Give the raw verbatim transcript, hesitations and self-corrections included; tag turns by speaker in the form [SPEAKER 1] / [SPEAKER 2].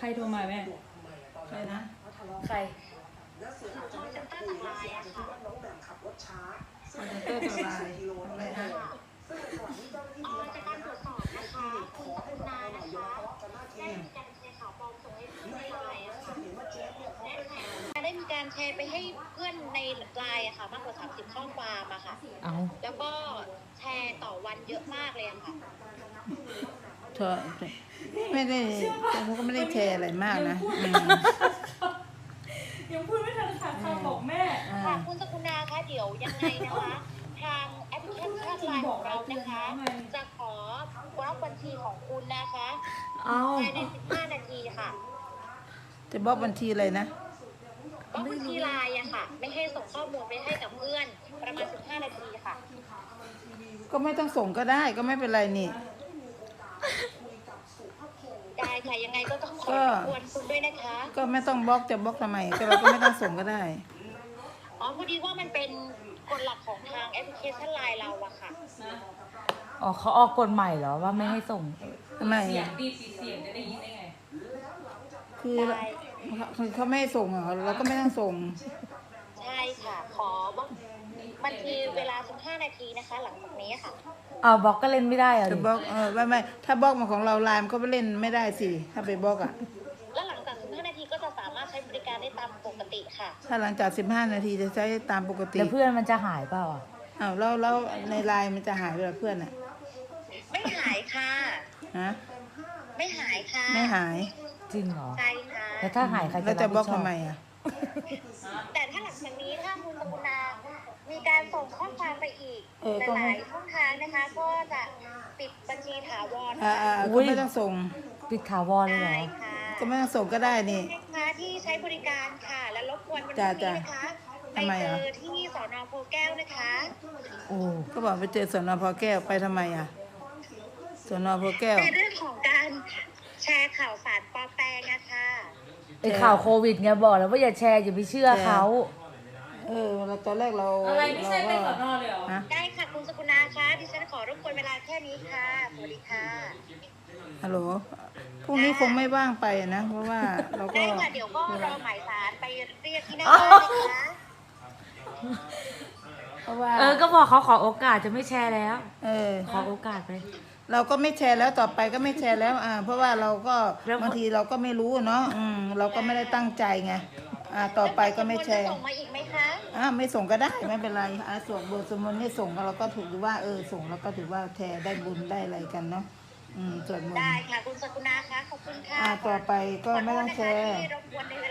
[SPEAKER 1] รโทรมาแม่ใครนะใครคอนเทนเตอร์ตัวลายอะไรนะ
[SPEAKER 2] อ๋อจากการตรวจสอบนะคะคุณสกุลนานะคะได้มีการแชร์ข่าวปลอมส่งให้เพื่อนในไลน์อะค่ะได้มีการแชร์ไปให้เพื่อนในไลน์อะค่ะมากกว่าสามสิบข้อความอะค่ะแล้วก็แชร์ต่อวันเยอะมากเลยอะค่ะ
[SPEAKER 3] เธอไม่ได้เขาก็ไม่ได้แชร์อะไรมากนะ
[SPEAKER 1] ยังพูดไม่ทันขาดคำบอกแม่
[SPEAKER 2] ค่ะคุณสกุลนาคะเดี๋ยวยังไงนะคะทางแอปพลิเคชันไลน์ของเรานะคะจะขอบล็อกบัญชีของคุณนะคะภายในสิบห้านาทีค่ะ
[SPEAKER 3] จะบล็อกบัญชีอะไรนะ
[SPEAKER 2] บล็อกบัญชีไลน์อะค่ะไม่ให้ส่งข้อมูลไปให้กับเพื่อนประมาณสิบห้านาทีค่ะ
[SPEAKER 3] ก็ไม่ต้องส่งก็ได้ก็ไม่เป็นไรนี่
[SPEAKER 2] ได้ค่ะยังไงก็ต้องขอรบกวนคุณด้วยนะคะ
[SPEAKER 3] ก็ไม่ต้องบล็อกจะบล็อกทำไมก็เราก็ไม่ต้องส่งก็ได้
[SPEAKER 2] อ๋อพอดีว่ามันเป็นกฎหลักของทางแอปพลิเคชันไลน์เราอะค่ะ
[SPEAKER 4] อ๋อเขาออกกฎใหม่เหรอว่าไม่ให้ส่ง
[SPEAKER 3] ทำไม
[SPEAKER 1] เสียงดีเสียงจะได้ยินได้ไง
[SPEAKER 3] คือคือเขาไม่ให้ส่งเหรอเราก็ไม่ต้องส่ง
[SPEAKER 2] ใช่ค่ะขอบล็อกบัญชีเวลาสิบห้านาทีนะคะหลังจากนี้ค่ะ
[SPEAKER 4] อ้าวบล็อกก็เล่นไม่ได้เหรอ
[SPEAKER 3] จะบล็อกเออไม่ไม่ถ้าบล็อกมาของเราไลน์มันก็ไปเล่นไม่ได้สิถ้าไปบล็อกอ่ะ
[SPEAKER 2] แล้วหลังจากสิบห้านาทีก็จะสามารถใช้บริการได้ตามปกติค่ะ
[SPEAKER 3] ถ้าหลังจากสิบห้านาทีจะใช้ตามปกติ
[SPEAKER 4] แล้วเพื่อนมันจะหายเปล่าอ่ะ
[SPEAKER 3] อ้าวแล้วแล้วในไลน์มันจะหายไปหรอเพื่อนอ่ะ
[SPEAKER 2] ไม่หายค่ะ
[SPEAKER 3] ฮะ
[SPEAKER 2] ไม่หายค่ะ
[SPEAKER 3] ไม่หาย
[SPEAKER 4] จริงเหรอ
[SPEAKER 2] ใช่ค่ะ
[SPEAKER 4] แล้วถ้าหายใคร
[SPEAKER 3] จะบล็อกทำไมอ่ะ
[SPEAKER 2] แต่ถ้าหลังจากนี้ถ้าคุณสกุณามีการส่งข้อความไปอีกหลายช่องทางนะคะก็จะปิดบัญชีถาวร
[SPEAKER 3] อ่าอ่าก็ไม่ต้องส่ง
[SPEAKER 4] ปิดถาวรเลยเหรอ
[SPEAKER 3] ก็ไม่ต้องส่งก็ได้นี่
[SPEAKER 2] ลูกค้าที่ใช้บริการค่ะและรบกวนวันนี้นะคะไปเจอที่สน.โพแก้วนะคะ
[SPEAKER 3] โอ้ก็บอกไปเจอสน.โพแก้วไปทำไมอ่ะสน.โพแก้ว
[SPEAKER 2] ในเรื่องของการแชร์ข่าวสารปลอมแปลงนะคะ
[SPEAKER 4] ไอข่าวโควิดไงบอกแล้วว่าอย่าแชร์อย่าไปเชื่อเขา
[SPEAKER 3] เออเราตอนแรกเรา
[SPEAKER 1] อะไรไม่ใช่เป็นสน.เลยเหรอ
[SPEAKER 2] ได้ค่ะคุณสกุณาคะดิฉันขอรบกวนเวลาแค่นี้ค่ะสวัสดีค่ะ
[SPEAKER 3] ฮัลโหลพรุ่งนี้คงไม่ว่างไปนะเพราะว่าเราก็
[SPEAKER 2] ได้ค่ะเดี๋ยวก็รอหมายสารไปเรียกที่หน้าบ้านนะคะ
[SPEAKER 3] เพราะว่า
[SPEAKER 4] เออก็บอกเขาขอโอกาสจะไม่แชร์แล้ว
[SPEAKER 3] เออ
[SPEAKER 4] ขอโอกาสไป
[SPEAKER 3] เราก็ไม่แชร์แล้วต่อไปก็ไม่แชร์แล้วอ่าเพราะว่าเราก็บางทีเราก็ไม่รู้เนาะอืมเราก็ไม่ได้ตั้งใจไงอ่าต่อไปก็ไม่แชร์
[SPEAKER 2] ส่งมาอีกไหมคะ
[SPEAKER 3] อ่าไม่ส่งก็ได้ไม่เป็นไรอ่าส่งบทสมมติให้ส่งเราก็ถือว่าเออส่งแล้วก็ถือว่าแชร์ได้บุญได้อะไรกันเนาะอืมส่วนมนต์
[SPEAKER 2] ได้ค่ะคุณสกุณาคะขอบคุณค่ะ
[SPEAKER 3] อ่าต่อไปก็ไม่ต้องแชร์
[SPEAKER 2] ที่รบกวนในเว